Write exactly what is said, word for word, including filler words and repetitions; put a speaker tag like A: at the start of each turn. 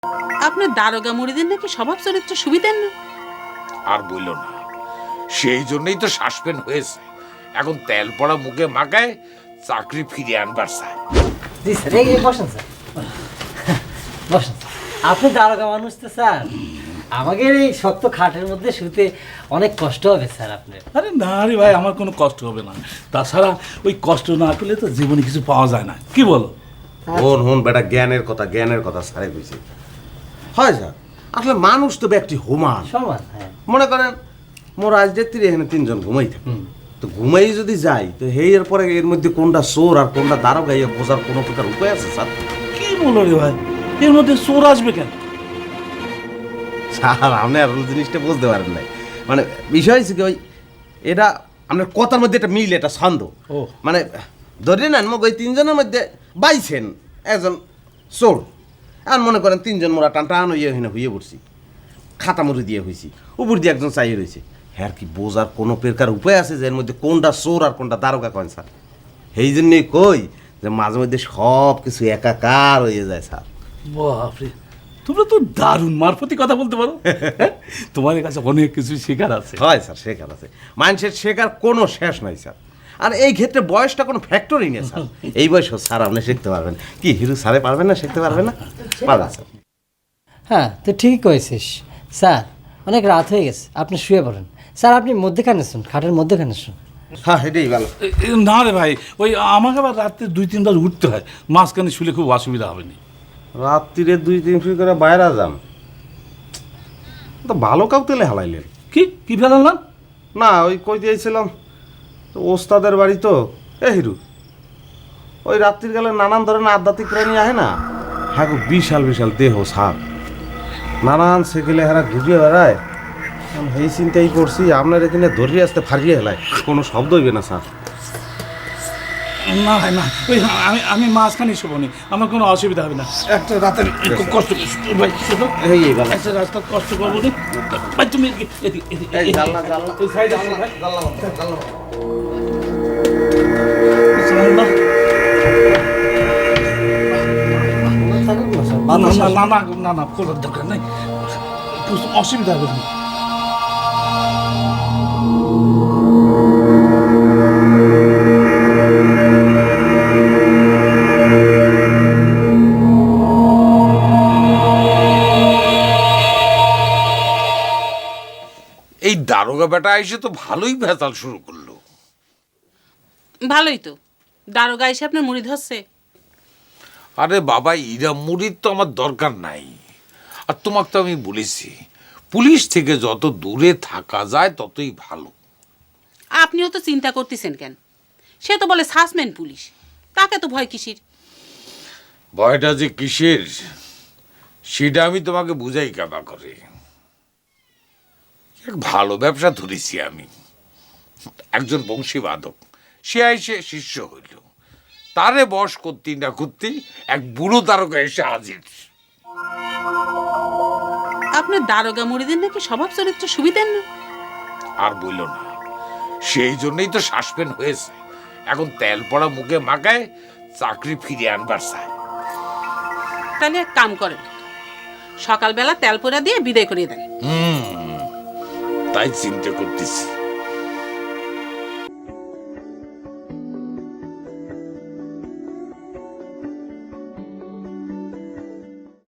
A: আপনার দারোগা মুড়িদের নাকি স্বভাব চরিত্র সুবিধের না।
B: আর বইল না, সেই জন্যই তো সাসপেন্ড হয়েছে। এখন তেল পড়া মুখে মাখায় চাকরি ফিরিয়ে আনবার চায়।
C: জি স্যার, এই বসেন স্যার, বসেন স্যার। আপনি দারোগা মানুষ তো স্যার, আমাকে এই শক্ত খাটের মধ্যে শুতে অনেক কষ্ট হবে স্যার আপনার।
D: আরে না রে ভাই, আমার কোনো কষ্ট হবে না। তাছাড়া ওই কষ্ট না করলে তো জীবনে কিছু পাওয়া যায় না, কি বলো?
E: হন হন বেটা, জ্ঞানের কথা জ্ঞানের কথা সারে কইছে। হয় স্যার, আসলে মানুষ তো ব্যক্তি হুমান
C: সমান। হ্যাঁ,
E: মনে করেন মোর আজ রাত্রি এখানে তিনজন ঘুমাই থাকে, তো ঘুমাই যদি যাই তো হেই এর পরে এর মধ্যে কোনটা চোর আর কোনটা দারোগা ইয়ে বোঝার কোনো প্রকার উপায় আছে স্যার?
D: কি বলো রে ভাই, এর মধ্যে চোর আসবে কেন?
E: স্যার আপনি আর ওই জিনিসটা বুঝতে পারেন নাই। মানে বিষয় হচ্ছে কি, ওই এটা আপনার কথার মধ্যে একটা মিল, এটা ছন্দ।
D: ও
E: মানে ধরে নেন মোক ওই তিনজনের মধ্যে বাইছেন একজন চোর, আর মনে করেন তিনজন মোরা টান টান হইয়ে হইনা হইয়ে পড়ছি, খাতা মুড়ি দিয়ে হয়েছি, উপর দিয়ে একজন চাইয়ে রয়েছে। হ্যাঁ কি বোঝার কোনো প্রকার উপায় আছে যে এর মধ্যে কোনটা চোর আর কোনটা দারোগা করেন স্যার? সেই জন্যই কই যে মাঝে মধ্যে সব কিছু একাকার হয়ে যায় স্যার।
D: বাপরে, তোমরা তো দারুণ মারফতি কথা বলতে পারো। তোমার কাছে অনেক কিছু শেখার আছে।
E: হয় স্যার, শেখার আছে, মানুষের শেখার কোনো শেষ নাই স্যার। আর এই ক্ষেত্রে বয়সটা কোনো ফ্যাক্টরি নেই স্যার। এই বয়সও স্যার আপনি শিখতে পারবেন। কি হিরু স্যারে পারবেন না, শিখতে পারবেন না? পারবেন স্যার।
C: হ্যাঁ তো ঠিকই কয়েছিস স্যার, অনেক রাত হয়ে গেছে, আপনি শুয়ে পড়েন। স্যার আপনি মধ্যেখানে শুন, খাটের মধ্যেখানে শুন।
E: হ্যাঁ এটাই ভালো।
D: এ- এ, না রে ভাই, ওই আমাকে আবার রাত্রে দুই তিনবার উঠতে হয়, মাঝখানে শুলে খুব অসুবিধা হবে না।
E: রাত্রিরে দুই তিন ফিট করে বাইরে যান, তো ভালো কাউ তেলে হালাইলেন
D: কি কি ফেলাম?
E: না? ওই কই দিয়েছিলাম তো ওস্তাদের বাড়ি তো। এ হিরু, ওই রাত্রির গেলে নানান ধরনের আধ্যাত্মিক প্রাণী আহে না, হ্যাঁ গো, বিশাল বিশাল দেহ সাপ, নানান সেকেলে হারা ঘুরিয়ে বেড়ায়। আমি এই চিন্তাই করছি আপনার এখানে ধরিয়ে আসতে ফারিয়ে হেলায়, কোনো শব্দ হইবে না স্যার।
D: না ভাই না, ওই আমি আমি মাঝখানে শোবো নি, আমার কোনো অসুবিধা হবে না। একটা রাতের একটু কষ্ট ভাই, শোনো,
E: এই এই ভালো।
D: একটা রাস্তা কষ্ট করবো নি ভাই। তুমি এদিকে- এদিকে- এদিকে-
E: এই জানলা জানলা
D: এই সাইডে আসো ভাই।
E: জানলা বন্ধ, জানলা বন্ধ।
D: জানলা।
C: থাকুক না স্যার,
D: না
C: বাতাস
D: না
C: আসবে।
D: না না না না খোলার দরকার নেই, একটু অসুবিধা হবে না।
B: এই দারোগা বেটা এসে তো ভালোই ভেতাল শুরু করলো।
A: ভালোই তো, দারোগা এসে আপনার মুড়ি ধরছে।
B: আরে বাবা, ইরা মুড়ির তো আমার দরকার নাই। আর তোমাকে তো আমি বলেছি, পুলিশ থেকে যত দূরে থাকা যায় ততই ভালো।
A: আপনিও তো চিন্তা করতেছেন কেন? সে তো বলে সাসপেন্ড পুলিশ, তাকে তো ভয় কিসির?
B: ভয়টা যে কিসের সেটা আমি তোমাকে বুঝাই কাবা করে। এক ভালো ব্যবসা ধরেছি আমি। একজন বংশীবাদক সে এসে শিষ্য হইল, তারে বশ করতে না করতে এক বুড়ো তারকা এসে হাজির।
A: আপনার দারোগা মুড়িদের নাকি স্বভাব চরিত্র সুবিধের না।
B: আর বইল না, সেই জন্যই তো সাসপেন্ড হয়েছে। এখন তেল পড়া মুখে মাখায় চাকরি ফিরিয়ে আনবার চায়।
A: তাহলে এক কাম করেন, সকালবেলা তেল পোড়া দিয়ে বিদায় করিয়ে দেন।
B: হুম, তাই চিন্তা করতেছি।